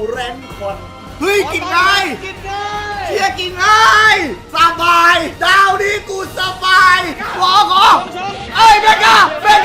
แรนคอนเฮ้ยกินง่ายเชียกินง่ายสบายดาวนี้กูสบายขอเอ้ยเบก้า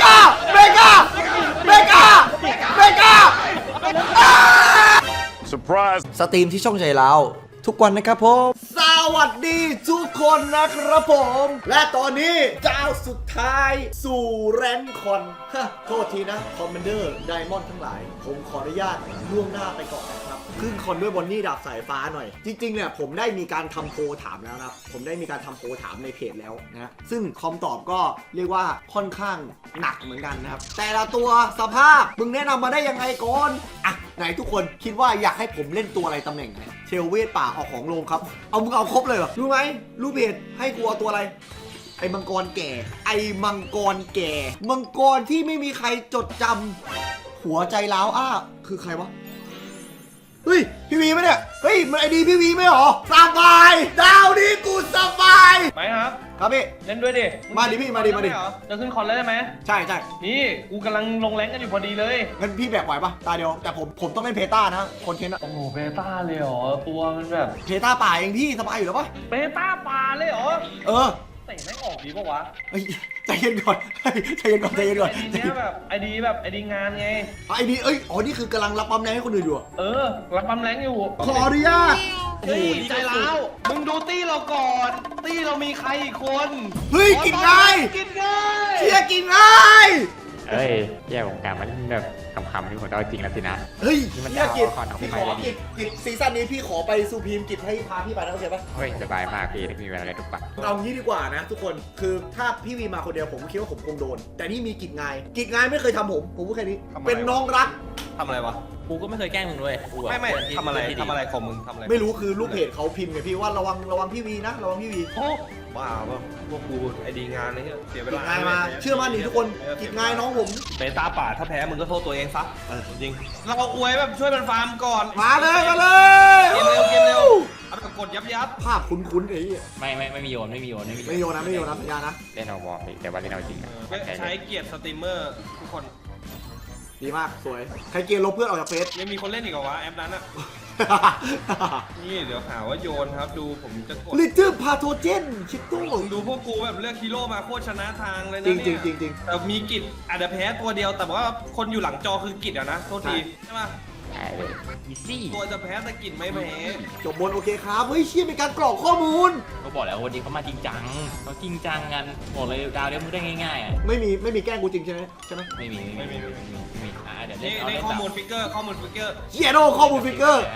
Surprise สตรีมที่ช่องใจเราทุกวันนะครับผมสวัสดีทุกคนนะครับผมและตอนนี้เจ้าสุดท้ายสู่แรนคอนโทษทีนะคอมมานเดอร์ไดมอนด์ทั้งหลายผมขออนุญาตล่วงหน้าไปก่อนนะครับขึ้นคอนด้วยบอนนี่ดาบสายฟ้าหน่อยจริงๆเนี่ยผมได้มีการทำโพลถามแล้วนะครับผมได้มีการทำโพลถามในเพจแล้วนะซึ่งคอมตอบก็เรียกว่าค่อนข้างหนักเหมือนกันนะครับแต่ละตัวสภาพมึงแนะนำมาได้ยังไงก่อนอ่ะไหนทุกคนคิดว่าอยากให้ผมเล่นตัวอะไรตำแหน่งไหนเชลเวทป่าเอาของลงครับเอามึงเอาครบเลยเหรอรู้ไหมรู้เพจให้กูเอาตัวอะไรไอ้มังกรแก่ไอ้มังกรแก่มังกรที่ไม่มีใครจดจำหัวใจล้าวคือใครวะเฮ้ยพี่วีไหมเนี่ยเฮ้ยมันไอดีพี่วีไหมหรอสบายดาวนี้กูสบายไหมครับครับพี่เล่นด้วยดิมาดิพี่มาดิจะขึ้นคอนแล้วใช่ไหมใช่นี่กูกำลังลงแรงกันอยู่พอดีเลยงั้นพี่แบกไหวปะตาเดียวแต่ผมต้องเล่นเพต้านะคนเทนอะโอ้โหเบต้าเลยเหรอตัวมันแบบเพต้าป่าเองพี่สบายอยู่แล้วปะเบต้าป่าเลยเหรอเตะไม่ออกดีปะวะใจเย็นก่อนใจเย็นก่อนไอดีแบบไอดีงานไงไอดีนี่คือกำลังรับปั๊มแรงให้คนอื่นอยู่รับปั๊มแรงอยู่ขออนุญาตโอ้โหใจร้าวมึงดูตี้เราก่อนตี้เรามีใครอีกคนเฮ้ยกินง่ายเชียกินง่ายแย่ของการมันแบบคำที่ผมเอาจริงแล้วสินะเฮ้ยมันจะกิจพี่ขอกิจซีซั่นนี้พี่ขอไปซูพีมกิจให้พาพี่ไปนะโอเคปะเฮ้ยสบายมากพี่มีเวลาอะไรทุกปัดเอางี้ดีกว่านะทุกคนคือถ้าพี่วีมาคนเดียวผมคิดว่าผมคงโดนแต่นี่มีกิจง่ายไม่เคยทำผมพูดแค่นี้เป็นน้องรักทำอะไรวะกูก็ไม่เคยแกล้งมึงด้วยไม่ทำอะไรของมึงทำอะไรไม่รู้คือลูกเพจเขาพิมพ์ไงพี่ว่าระวังพี่วีนะระวังพี่วีบ้าป่ะพวกกูไอดีงานนี่เสียเวลาง่ายมาเชื่อมั่นดิทุกคนกิจง่ายน้องผมเบต้าป่าถ้าแพ้มึงก็โทษตัวเองซะจริงเราอวยแบบช่วยมันฟาร์มก่อนมาเลยเกมเร็วเอาแบบกดยับภาพคุ้นไอ้ไม่มีโยนนะพยานะเล่นเอาวอร์มแต่ว่าเล่นเอาจริงใช้เกียรติสตรีมเมอร์ทุกคนดีมากสวยใครเกียร์ลบเพื่อนออกจากเฟซยังมีคนเล่นอีกเหรอวะแอปนั้นอ่ะนี่เดี๋ยวหาว่าโยนครับดูผมจะกดลิทึมพาโทเจนชิดตู้ดูพวกกูแบบเลือกฮีโร่มาโคตรชนะทางเลยนะเนี่ยจริงแต่มีกิจอาจจะแพ้ตัวเดียวแต่ว่าคนอยู่หลังจอคือกิจอะนะโทษทีใช่ไหมตัวจะแพ้แต่กิจไม่แพ้จบบนโอเคครับเฮ้ยเชี่ยเป็นการกรอกข้อมูลเขาบอกแล้ววันนี้เขามาจริงจังเขาจริงจังกันบอกเลยดาวเลี้ยงมึงได้ง่ายๆอ่ะไม่มีแกล้งกูจริงใช่ไหมไม่มีเดี๋ยวเล่นข้อมูลฟิกเกอร์เชี่ยโดข้อมูลฟิกเกอร์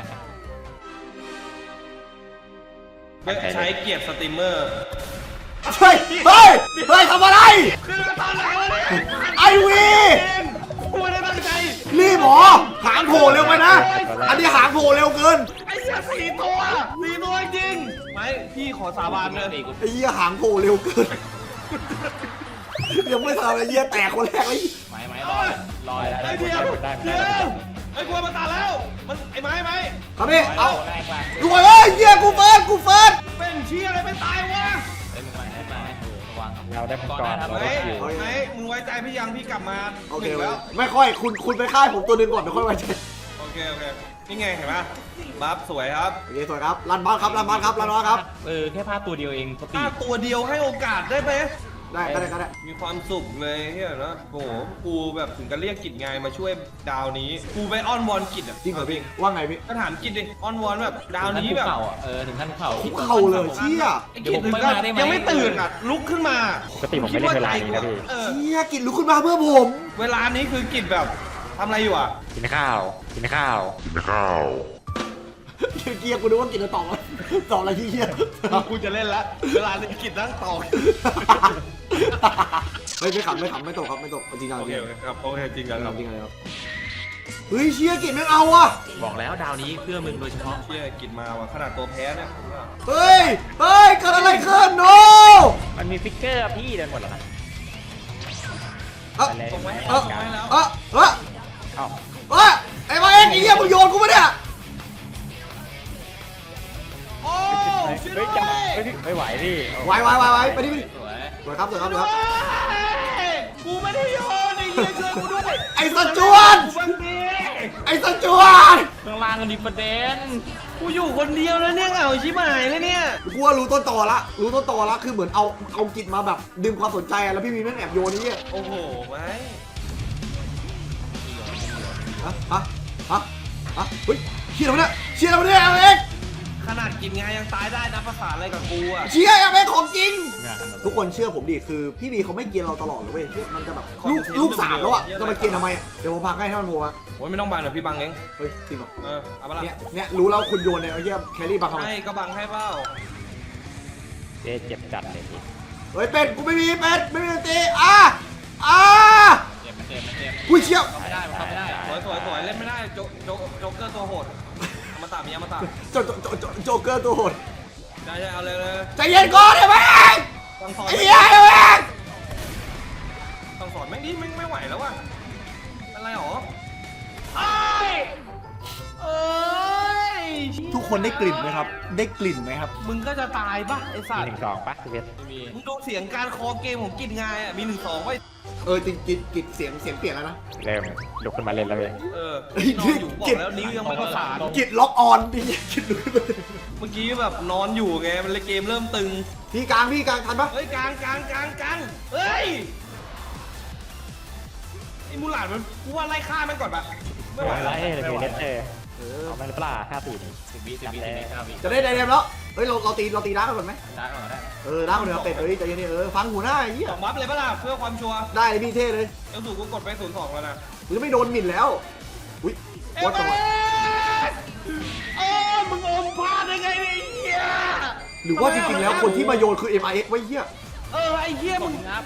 ใช้เกียรติสตรีมเมอร์เฮ้ยทำอะไรคือตอนไหนวะเนี่ยไอวีกูไม่ได้ตั้งใจรีบหรอหางโผล่เร็วไปนะอันนี้หางโผล่เร็วเกินไอ้เหี้ย4 ตัวจริงไม่พี่ขอสาบานเลยไอ้เหี้ยหางโผล่เร็วเกินยังไม่ทำไอ้เหี้ยแตกคนแรกเลยไม่รอไอ้เดียวไอ้กลัวมันตายแล้วมันไอ้ไม้ครับพี่เอาดูเอ้ยเหี้ยกูเฟิร์สเป็นเชี่ยอะไรไม่ตายวะเราได้มังกรไหมมึงไว้ใจพี่ยังพี่กลับมาโอเคแล้วไม่ค่อยคุณไปค่ายผมตัวนึงก่อนไม่ค่อยไว้ใจโอเคนี่ไงเห็นปะบัฟสวยครับโอเคสวยครับรันบอลครับแค่พลาดตัวเดียวเองพลาดตัวเดียวให้โอกาสได้ไหมได้มีความสุขเลยเฮ้ยนะโอ้โหกูแบบถึงกับเรียกกิจไงมาช่วยดาวนี้กูไปอ้อนวอนกิจอ่ะจริงเหรอพี่ว่าไงพี่ก็ถามกิจดิอ้อนวอนแบบดาวนี้แบบถึงขั้นเข่าเลยเชี่ยกิจยังไม่ตื่นอ่ะลุกขึ้นมาปกติผมไม่เล่นเวลานี้นะพี่เชี่ยกิจลุกขึ้นมาเพื่อผมเวลานี้คือกิจแบบทำอะไรอยู่อ่ะกินข้าวเกียร์กูนึกว่ากินแล้วต่ออะไรที่เกียร์กูจะเล่นละเวลานี้กินนั่งต่อไม่ขำไม่ตกจริงจังโอเคครับโอเคจริงจังครับเฮ้ยเชียร์กินไม่เอาอ่ะบอกแล้วดาวนี้เพื่อมึงโดยเฉพาะเชียร์กินมาว่ะขนาดตัวแพ้เนี่ยเฮ้ยเกิดอะไรขึ้นโนมันมีฟิกเกอร์พี่เดินหมดแล้วไอ้มาเอ็กซ์ไอ้เหี้ยมึงโยนกูปะเนี่ยโอ้ไม่ไหวพี่ไหวไปดิสวยครับกูไม่ได้โยนไอ้เหี้ยช่วยกูด้วยไอ้สัจจวนไอ้สจวตข้างล่างกันดีประเด็นกูอยู่คนเดียวแล้วเนี่ยเหงาชิบหายเลยเนี่ยกูว่ารู้ต้นตอละคือเหมือนเอากิจมาแบบดึงความสนใจอะแล้วพี่วีแม่งแอบโยนนี่เนี่ยโอ้โหไม่ฮะเฮ้ยเชียร์เราเนี่ยเอาเองขนาดกินงานยังตายได้นะภาษาอะไรกับกูอ่ะเชียร์เอาเองของจริงงานทุกคนเชื่อผมดิคือพี่วีเขาไม่เกลียดเราตลอดเลยเว้ยมันจะแบบลูกสามแล้วอะจะมาเกลียดทำไมอะเดี๋ยวผมพักให้ท่านโมมาโอ้ยไม่ต้องบังเดี๋ยวพี่บังเองเฮ้ยจริงเหรอเอาปะล่ะเนี่ยรู้แล้วคุณโยนเนี่ยไอ้เหี้ยแครี่บังทำไมให้ก็บังให้เปล่าเจ๊เจ็บจัดเลยพี่เฮ้ยเป็ดกูไม่มีเป็ดไม่มีดนตรีเจ็บมันเจ็บอุ้ยเชี่ยวไม่ได้มันเข้าไม่ได้สวยเล่นไม่ได้โจ๊กเกอร์ตัวโหดมาตามมีมาตามโจเกอร์ตัวโหดใช่เอาเลยใจเย็นก่อนเดี๋ยวแม่งสั่งสอนไอ้เหี้ยเดี๋ยวแม่งสั่งสอนแม่งดิแม่งไม่ไหวแล้วว่ะอะไรหรอทุกคนได้กลิ่นไหมครับ ได้กลิ่นไหมครับมึงก็จะตายป่ะไอ้สัตว์ 1-2ป่ะพี่เพชรมีมึงดูเสียงการคอเกมของกินงายอ่ะมี1-2ไว้จริงกิดเสียงเปลี่ยนแล้วนะเริ่มลุกขึ้นมาเล่นแล้วเลยนอนอยู่บอกแล้วนิ้วยังไม่ประสานกิดล็อกออนดิกิดดูเมื่อกี้แบบนอนอยู่ไงมันเลยเกมเริ่มตึงพี่กลางทันปะเฮ้ยกลางเฮ้ยไอ้มูหลานมันกูว่าไล่ฆ่ามันก่อนปะไม่ไหวไล่แล้วเลยเล่นเอาไม่ได้ปลา5-4นี่10 วิ9 จะได้ไดเรมแล้วเฮ้ยเราตีด้ากันก่อนไหมได้ก่อนได้ด้ากันเดี๋ยวเป็ดใจเย็นฟังหูหน้าไอ้เหี้ยสองบัฟเลยปะล่ะเพื่อความชัวร์ได้เลยพี่เท่เลยเอลสูกูกดไป0-2แล้วนะหรือไม่โดนหมิ่นแล้วอุ้ยวัดจังหวะมึงอมพลาดได้ไงเนี่ยไอ้เหี้ยหรือว่าจริงๆแล้วคนที่มาโยนคือ MIX ไว้เหี้ยไอ้เหี้ยมึงครับ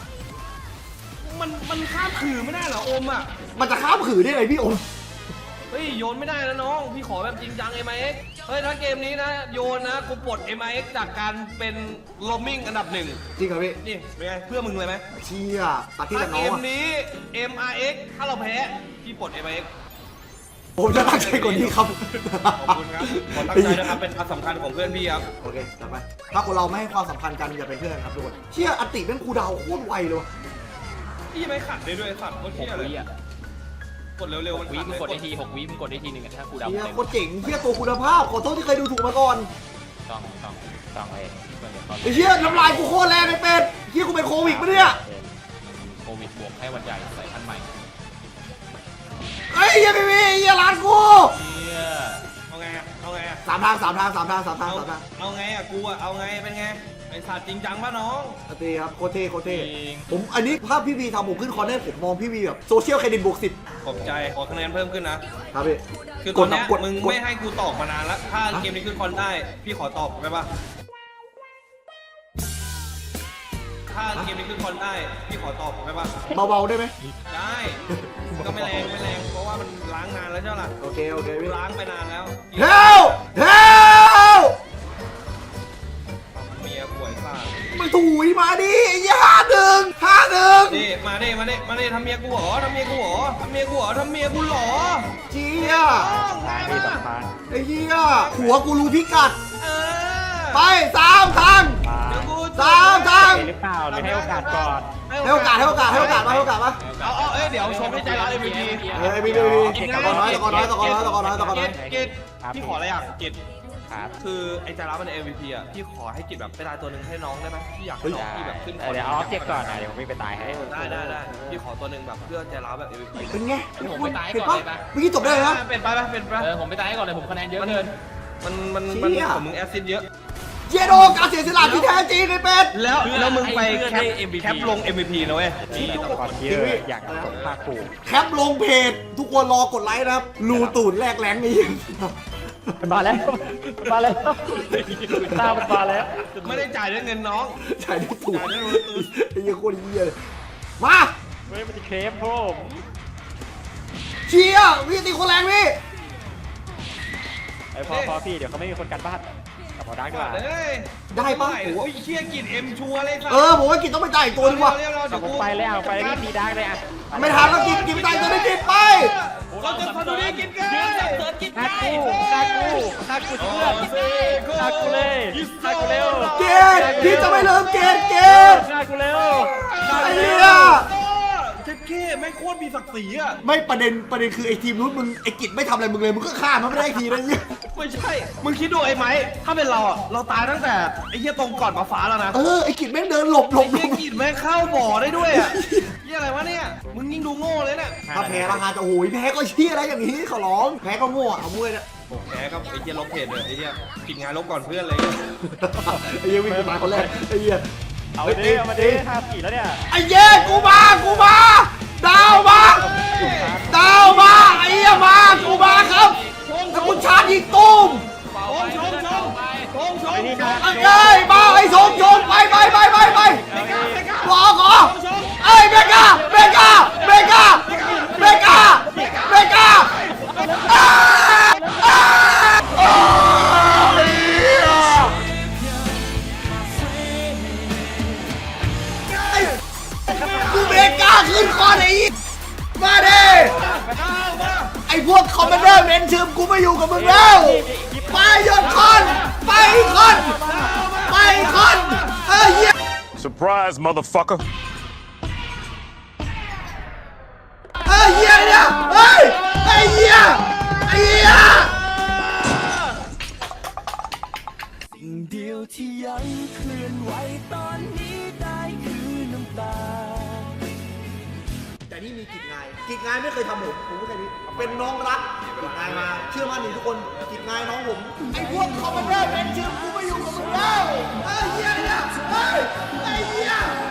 มันข้ามขื่อไม่ได้เหรออมอ่ะมันจะข้ามขือได้ไงพี่โอมเฮ้ยโยนไม่ได้นะน้องพี่ขอแบบจริงจัง MIX เฮ้ยถ้าเกมนี้นะโยนนะกูปลด MIX จากการเป็นโรมมิ่งอันดับ1 จริงเหรอพี่นี่เป็นไงเพื่อมึงเลยไหมเชี่ยตัดที่ถ้ากับเกน้องมอะนี้ MRX ถ้าเราแพ้พี่ปลด MIX ผมจะตั้งใจกว่านี้ครับขอบคุณครับขอตั้งใจนะครับเป็นความสำคัญของเพื่อนพี่ครับโอเคจัดไปถ้าคนเราไม่ให้ความสำคัญกันอย่าเป็นเพื่อนครับทุกคนเชี่ยอติเป็นครูดาวโคตรไวเลยวะพี่ไม่ขัดได้ด้วยสัตว์โคตรเที่ย 6 เลยวิอ่ะกดเร็วๆมันวิขัดมึเลงยกดได้ที6 วิมึงกดได้ทีนึงถ้ากูดาวเชี่ยเต็มโคตรเจ๋งเชี่ยตัวคุณภาพขอโทษที่เคยดูถูกมาก่อนต้องเองไอ้เชี่ยน้ำลายกูโคตรแรงไอ้เป็ดเชี่ยกูเป็นโควิดปะเนี่ยโควิดบวกให้วันใหญ่สายพันธุ์ใหม่เฮ้ยเหี้ยพี่เหี้ยร้านกูเนี่ยเอาไงอะเอาไงอะสามทางเอาไงอะกูอะเอาไงเป็นไงไอสัตว์จริงจังป่ะน้องอติครับโคตรเท่ผมอันนี้ภาพพี่วีทำผมขึ้นคอนเนอร์ผมมองพี่วีแบบโซเชียลเครดิตบวก10 ขอบใจขอคะแนนเพิ่มขึ้นนะครับพี่คือตอนเนี้ยกดมึงไม่ให้กูตอบมานานแล้วถ้าเกมนี้ขึ้นคอนได้พี่ขอตอบได้ปะถ้าเกมนี้ขึ้นคอนได้พี่ขอตอบได้ปะเบาๆได้ไหมได้ก็ไม่แรงเพราะว่ามันล้างนานแล้วใช่ไหมล่ะโอเคพี่ล้างไปนานแล้วเฮลเมียป่วยซ่ามันถุยมาดิไอ้เหี้ย51 นี่มาดิทำเมียกูเหรอทำเมียกูเหรอเจี๊ยง่ายที่มากสำคัญไอ้เหี้ยหัวกูรู้พิกัดเออไป3ทางเดี๋ยวกู 3ทางหรือเปล่าหรือให้โอกาสก่อนให้โอกาสมาเอาเดี๋ยวชมให้ใจร้าย MVP พี่ตะกอนน้อยกิจพี่ขออะไรอย่างกิจครับคือไอ้ใจร้ายมัน MVP อ่ะพี่ขอให้กิจแบบไปตายตัวหนึ่งให้น้องได้ไหมพี่อยากให้น้องพี่แบบขึ้นเดี๋ยวเอาออบเจกต์ก่อนนะเดี๋ยวผมวิ่งไปตายให้ได้พี่ขอตัวหนึ่งแบบเพื่อใจร้ายแบบ MVP เป็นไงผมไปตายเห็นก่อปะนเลยปะเมื่อกี้จบได้เลยนะเป็นไปผมไปตายก่อนเลยผมคะแนนเยอะเกินมันของมึงแอสซิดเยอะเจโดการเสียสละที่แท้จริงไอ้เป็ดแล้วมึงไปแคปลง MVP นะเว้ยนี่ต้องก่อนเยอะอยากสมภาคภูมิแคปลงเพจทุกคนรอกดไลค์นะครับรูตูดแรกแรงนี่มาแล้วตามันมาแล้วไม่ได้จ่ายด้วยเงินน้องใช่ที่ถูกไอ้เหี้ยโคตรเหี้ยเลยมาเฮ้ยมันจะเคลมผมเชียร์พี่ตีคนแรงพี่ไอ้พอพี่เดี๋ยวเขาไม่มีคนกันบ้านกลับมาดักดีกว่าได้ปะโอ้ยเชี่ยกินเอ็มชัวเลยครับผมว่ากินต้องไปจ่ายอีกตัวนึงว่ะผมไปแล้วนี่มีดักเลยอ่ะไม่ทันแล้วกินไปจ่ายตัวนึงกินไปเราจะทำดูนี่กินกันฆ่ากูเพื่อนฆ่ากูเลยฆ่ากูเร็วเกตพี่จะไม่ลืมเกตฆ่ากูเร็วไอ้เหี้ยเจ็ดเข้แม่งโคตรมีศักดิ์ศรีอ่ะไม่ประเด็นคือไอ้ทีมนู้นมึงไอ้กิจไม่ทำอะไรมึงเลยมึงก็ฆ่ามันไม่ได้ทีนะเนี่ยไม่ใช่มึงคิดดูไอ้ไม้ถ้าเป็นเราอ่ะเราตายตั้งแต่ไอ้เหี้ยตรงก่อนมาฟ้าแล้วนะไอ้กิจแม่งเดินหลบไอ้เหี้ยกินแม่งเข้าบ่อได้ด้วยอ่ะเหี้ยอะไรวะเนี่ยมึงยิ่งดูโง่เลยเนี่ยถ้าแพ้ราคาจะโอ้ยแพ้ก็เชี่ยอะไรอย่างนี้ขอร้องแพ้ก็โง่เอามวยเนี่ยโอ้แพ้ก็ไอ้เหี้ยลบเพจเลยไอ้เหี้ยกินงานลบก่อนเพื่อนเลยไอ้เหี้ยวิ่งมาคนแรกไอ้เหี้ยเอามาดิ5-4แล้วเนี่ยไอ้เย้กูมาดาวมาไอ้เหี้ยมากูมาครับแล้วกูชาร์จยิงตุ้มชงเอ้ยมาไอ้ชงไปขอเอ้ยเบก้ากูเบก้าขึ้นคอนไอ้มาดิไอ้พวกคอมมานเดอร์เมนชื่อกูไม่อยู่กับมึงแล้วไปหยุดคอนไปคอนเฮ้ย Surprise, motherfucker. เฮ้ยเหี้ยเนี่ยเฮ้ยไอ้เหี้ยสิ่งเดียวที่ยังเคลื่อนไหวตอนนี้ได้คือน้ำตาแต่นี่มีกิจงายไม่เคยทำผมพูดแค่นี้เป็นน้องรักกิจงายมาเชื่อมั่นในทุกคนกิจงายน้องผมไอ้พวกคอมมานเดอร์เป็นชื่อกูไม่อยู่กับมึงแล้วไอ้เหี้ยเนี่ยไอ้เหี้ย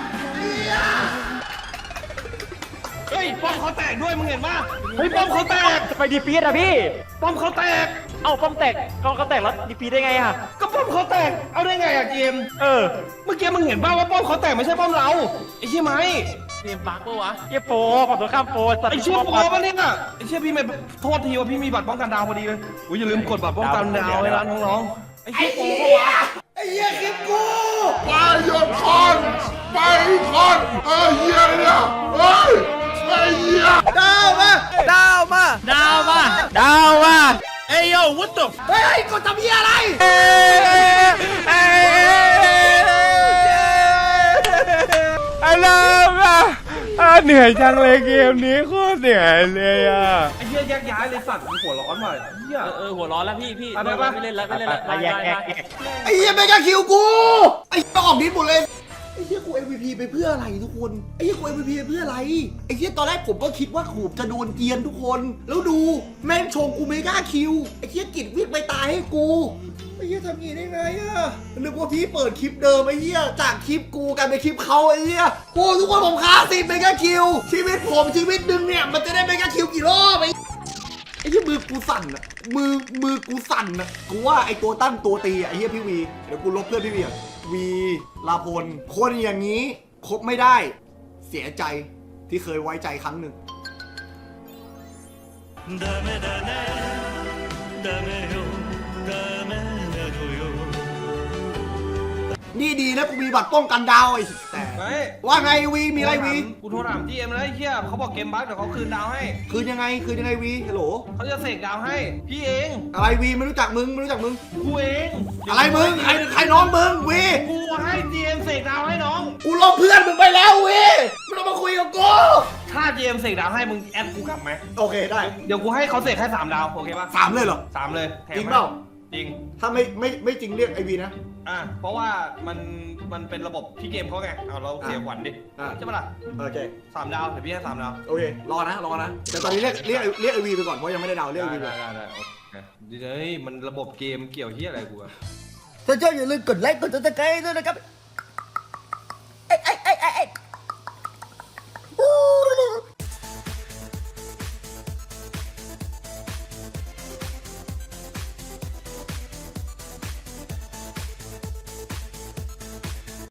เฮ้ยป้อมเขาแตกด้วยมึงเห็นปะเฮ้ยป้อมเขาแตกจะไปดีฟีดอะพี่ป้อมเขาแตกเอ้าป้อมแตกกองเขาแตกแล้วดีฟีดได้ไงอะก็ป้อมเขาแตกเอาได้ไงอะเกม เมื่อกี้มึงเห็นป่าวว่าป้อมเขาแตกไม่ใช่ป้อมเราไอ้เชี่ยไหมเกมบั๊กปะวะเหี้ยโปรฝั่งตรงข้ามโปรสัตว์ไอ้เชี่ยโปรปะเนี่ยไอ้เชี่ยพี่ไม่โทษทีว่าพี่มีบัตรป้องกันดาวพอดีเลยอุ้ยอย่าลืมกดบัตรป้องกันดาวไว้นะน้องๆไอ้เชี่ยโปรปะวะไอ้เหี้ยคิดกูไปหยุดคอนไอ้เหี้ยเนี่ยเฮ้ยไอ้เหี้ยดาวมาเอ้ยโย่ what the เฮ้ยกดทำเหี้ยอะไรเหนื่อยจังเลยเกมนี้โคตรเหนื่อยเลยอ่ะไอ้เชี่ยแยกย้ายเลยสัตว์หัวร้อนว่ะเหี้ยหัวร้อนแล้วพี่ไม่เล่นแล้วแยกไอ้เหี้ยไม่กล้าคิวกูไอ้เหี้ยออกดิสหมดเลยไอ้เหี้ยกู MVP ไปเพื่ออะไรทุกคนไอ้เหี้ยกู MVP ไปเพื่ออะไรไอ้เหี้ยตอนแรกผมก็คิดว่าขูบจะโดนเกียนทุกคนแล้วดูแม่งชงกูไม่กล้าคิวไอ้เหี้ยกิจวิ่งไปตายให้กูไอ้เหี้ยทำงี้ได้ไงอะนึกว่าพี่เปิดคลิปเดิมไอ้เหี้ยจากคลิปกูกลายเป็นคลิปเขาไอ้เหี้ยโอ้ทุกคนผมฆ่า10ไม่กล้าคิวชีวิตผมชีวิตหนึ่งเนี่ยมันจะได้ไม่กล้าคิวกี่รอบไอ้เหี้ยมือกูสั่นอะมือกูสั่นอะกูว่าไอ้ตัวตั้งตัวตีอะไอ้เหี้ยพี่วีเดี๋ยวกูลบเพื่อนพี่วีอะวีลาพลคนอย่างนี้คบไม่ได้เสียใจที่เคยไว้ใจครั้งหนึ่งนี่ดีนะกูมีบัตรป้องกันดาวไอ้แต่เฮ้ยว่าไงวีมีอะไรวีกูโทรถาม GM แล้วไอ้เชี่ยเขาบอกเกมบั๊กเดี๋ยวเขาคืนดาวให้คืนยังไงวีฮัลโหลเขาจะเสกดาวให้พี่เองอะไรวีไม่รู้จักมึงกูเองอะไรมึงใครน้องมึงวีกูให้ GM เสกดาวให้น้องกูลบเพื่อนมึงไปแล้ววีไม่ต้องมาคุยกับกูถ้า GM เสกดาวให้มึงแอดกูกลับไหมโอเคได้เดี๋ยวกูให้เขาเสกให้3 ดาวโอเคปะ 3เลยเหรอ 3เลยแถมจริงเปล่าจริงถ้าไม่จริงเรียกไอวีนะเพราะว่ามันเป็นระบบที่เกมเขาไงเอาเราเสียขวัญดิอ่ะใช่ปะล่ะโอเค 3 ดาวเดี๋ยวพี่ให้3 ดาวโอเครอนะแต่ตอนนี้เรียกไอวีไปก่อนเพราะยังไม่ได้ดาวเรียกไอวีไปได้โอเคเฮ้ยมันระบบเกมเกี่ยวเฮียอะไรกูอะถ้าชอบอย่าลืมกดไลค์กดติดตามด้วยนะครับ